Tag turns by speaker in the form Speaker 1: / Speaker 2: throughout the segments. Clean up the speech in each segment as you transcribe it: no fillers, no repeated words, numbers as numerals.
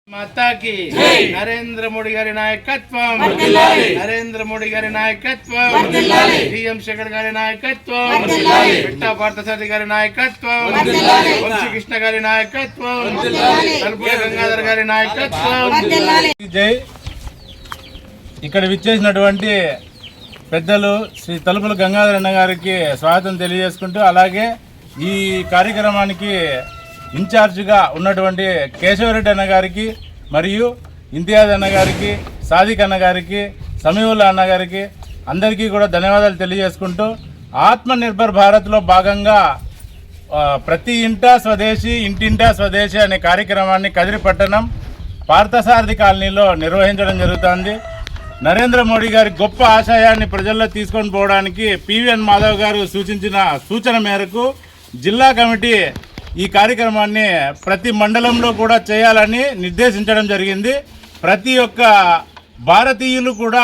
Speaker 1: माता की नरेंद्र मोदी गारी नायकत्वं नरेंद्र मोदी गारी नायकत्वं जीएम शेखर गारी नायकत्वं पिट्टा पार्थसारथि गारी नायकत्वं వంశీ కృష్ణ గారి నాయకత్వం తలుపుల గంగాధర్ గారి నాయకత్వం జై ఇక్కడ విచ్చేసినటువంటి పెద్దలు శ్రీ తలుపుల గంగాధర్ అన్న గారికి స్వాగతం తెలియజేసుకుంటూ అలాగే ఈ కార్యక్రమానికి ఇన్ఛార్జిగా ఉన్నటువంటి కేశవరెడ్డి అన్న గారికి మరియు ఇంతియాజ్ అన్న గారికి సాదిక్ అన్న గారికి సమీవుల్లా అన్న గారికి అందరికీ కూడా ధన్యవాదాలు తెలియజేసుకుంటూ ఆత్మనిర్భర్ భారత్లో భాగంగా ప్రతి ఇంటా స్వదేశీ ఇంటింటా స్వదేశీ అనే కార్యక్రమాన్ని కదిరిపట్టణం పార్థసారథి కాలనీలో నిర్వహించడం జరుగుతుంది. నరేంద్ర మోడీ గారి గొప్ప ఆశయాన్ని ప్రజల్లో తీసుకొని పోవడానికి పివిఎన్ మాధవ్ గారు సూచన మేరకు జిల్లా కమిటీ ఈ కార్యక్రమాన్ని ప్రతి మండలంలో కూడా చేయాలని నిర్దేశించడం జరిగింది. ప్రతి ఒక్క భారతీయులు కూడా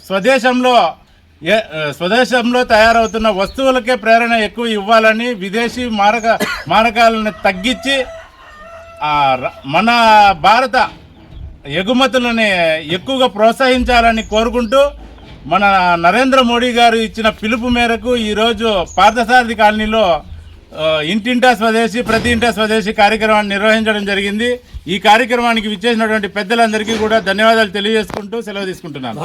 Speaker 1: స్వదేశంలో తయారవుతున్న వస్తువులకే ప్రేరణ ఎక్కువ ఇవ్వాలని, విదేశీ మారకాలను తగ్గించి మన భారత ఎగుమతులని ఎక్కువగా ప్రోత్సహించాలని కోరుకుంటూ మన నరేంద్ర మోడీ గారు ఇచ్చిన పిలుపు మేరకు ఈరోజు పార్థసారథి కాలనీలో ఇంటింటా స్వదేశీ ప్రతి ఇంటా స్వదేశీ కార్యక్రమాన్ని నిర్వహించడం జరిగింది. ఈ కార్యక్రమానికి విచ్చేసినటువంటి పెద్దలందరికీ కూడా ధన్యవాదాలు తెలియజేసుకుంటూ సెలవు తీసుకుంటున్నాను.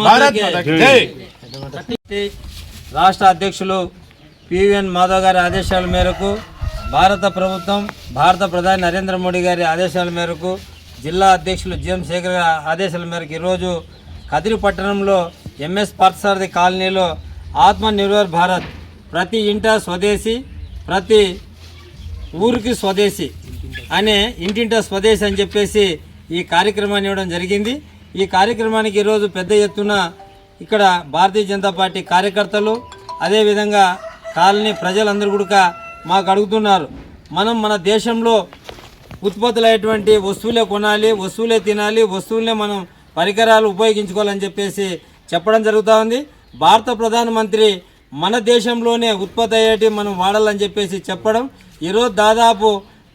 Speaker 2: రాష్ట్ర అధ్యక్షులు పివిఎన్ మాధవ్ గారి ఆదేశాల మేరకు భారత ప్రభుత్వం భారత ప్రధాని నరేంద్ర మోడీ గారి ఆదేశాల మేరకు జిల్లా అధ్యక్షులు జిఎం శేఖర్ గారి ఆదేశాల మేరకు ఈరోజు కదిరి పట్టణంలో ఎంఎస్ పార్థసారథి కాలనీలో ఆత్మనిర్భర్ భారత్ ప్రతి ఇంటా స్వదేశీ ప్రతి ఊరికి స్వదేశీ అనే ఇంటింటా స్వదేశీ అని చెప్పేసి ఈ కార్యక్రమాన్ని ఇవ్వడం జరిగింది. ఈ కార్యక్రమానికి ఈరోజు పెద్ద ఎత్తున ఇక్కడ భారతీయ జనతా పార్టీ కార్యకర్తలు అదేవిధంగా కాలనీ ప్రజలందరూ కూడా మాకు అడుగుతున్నారు, మనం మన దేశంలో ఉత్పత్తులైనటువంటి వస్తువులే కొనాలి, వస్తువులే తినాలి, వస్తువులనే మనం పరికరాలు ఉపయోగించుకోవాలని చెప్పేసి చెప్పడం జరుగుతూ ఉంది. భారత ప్రధానమంత్రి మన దేశంలోనే ఉత్పత్తి అయ్యేటి మనం వాడాలని చెప్పేసి చెప్పడం, ఈరోజు దాదాపు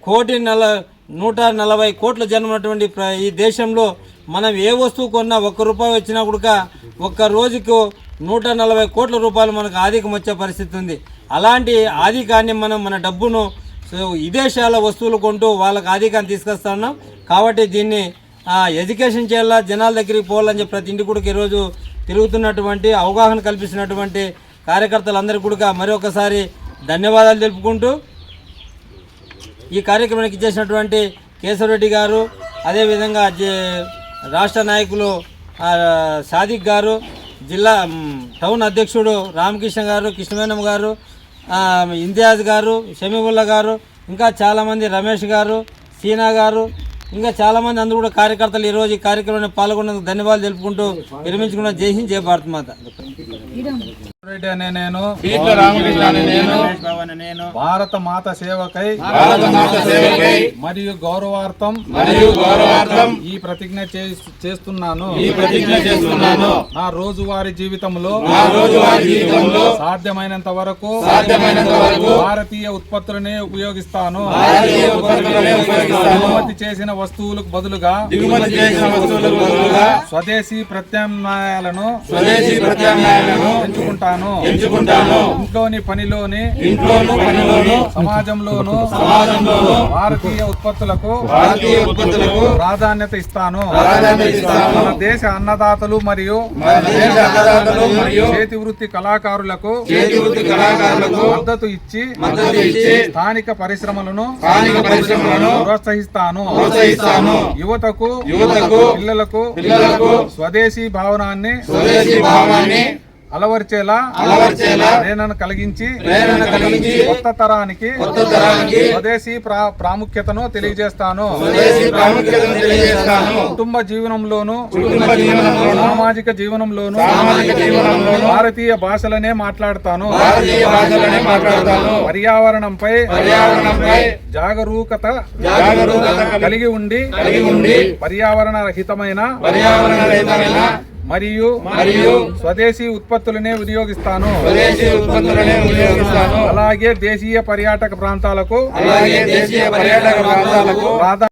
Speaker 2: 140 కోట్ల జనం ఉన్నటువంటి ఈ దేశంలో మనం ఏ వస్తువు కొన్నా ₹1 వచ్చినా కూడా ఒక్క రోజుకు 140 కోట్ల రూపాయలు మనకు ఆధికం వచ్చే పరిస్థితి ఉంది. అలాంటి ఆధికాన్ని మనం మన డబ్బును విదేశాల వస్తువులు కొంటూ వాళ్ళకి ఆధికాన్ని తీసుకొస్తున్నాం. కాబట్టి దీన్ని ఎడ్యుకేషన్ చేయాలా, జనాల దగ్గరికి పోవాలని చెప్పి ప్రతి ఇంటి కూడా ఈరోజు తిరుగుతున్నటువంటి అవగాహన కల్పిస్తున్నటువంటి కార్యకర్తలందరికీ కూడా మరొకసారి ధన్యవాదాలు తెలుపుకుంటూ ఈ కార్యక్రమానికి ఇచ్చేసినటువంటి కేశవరెడ్డి గారు, అదేవిధంగా రాష్ట్ర నాయకులు సాదిక్ గారు, జిల్లా టౌన్ అధ్యక్షుడు రామకృష్ణ గారు, కృష్ణవేణమ్మ గారు, ఇంతియాజ్ గారు, షమీవుల్లా గారు, ఇంకా చాలామంది రమేష్ గారు, సీనా గారు, ఇంకా చాలామంది అందరూ కూడా కార్యకర్తలు ఈరోజు ఈ కార్యక్రమంలో పాల్గొన్నందుకు ధన్యవాదాలు తెలుపుకుంటూ విరమించుకున్న జై హింద్, జై భారత్ మాత.
Speaker 3: భారత మాత సేవకై మరియు గౌరవార్థం ఈ ప్రతిజ్ఞ చేస్తున్నాను. నా రోజువారీ జీవితంలో సాధ్యమైనంత వరకు భారతీయ ఉత్పత్తులనే ఉపయోగిస్తాను. దిగుమతి చేసిన వస్తువులకు బదులుగా స్వదేశీ ప్రత్యామ్నాయాలను ఎంచుకుంటాను. ఇంట్లోని పనిలోని సమాజంలోను భారతీయ ఉత్పత్తులకు ప్రాధాన్యత ఇస్తాను. మన దేశ అన్నదాతలు మరియు చేతి వృత్తి కళాకారులకు మద్దతు ఇచ్చి స్థానిక పరిశ్రమలను ప్రోత్సహిస్తాను. యువతకు పిల్లలకు స్వదేశీ భావనాన్ని అలవర్చేలా ప్రేరణ కలిగించి కొత్త తరానికి స్వదేశీ ప్రాముఖ్యతను తెలియజేస్తాను. కుటుంబ జీవనంలోను సామాజిక జీవనంలోను భారతీయ భాషలనే మాట్లాడతాను. పర్యావరణంపై జాగరూకత కలిగి ఉండి పర్యావరణ రహితమైన మరియు స్వదేశీ ఉత్పత్తులనే వినియోగిస్తాను. అలాగే దేశీయ పర్యాటక ప్రాంతాలకు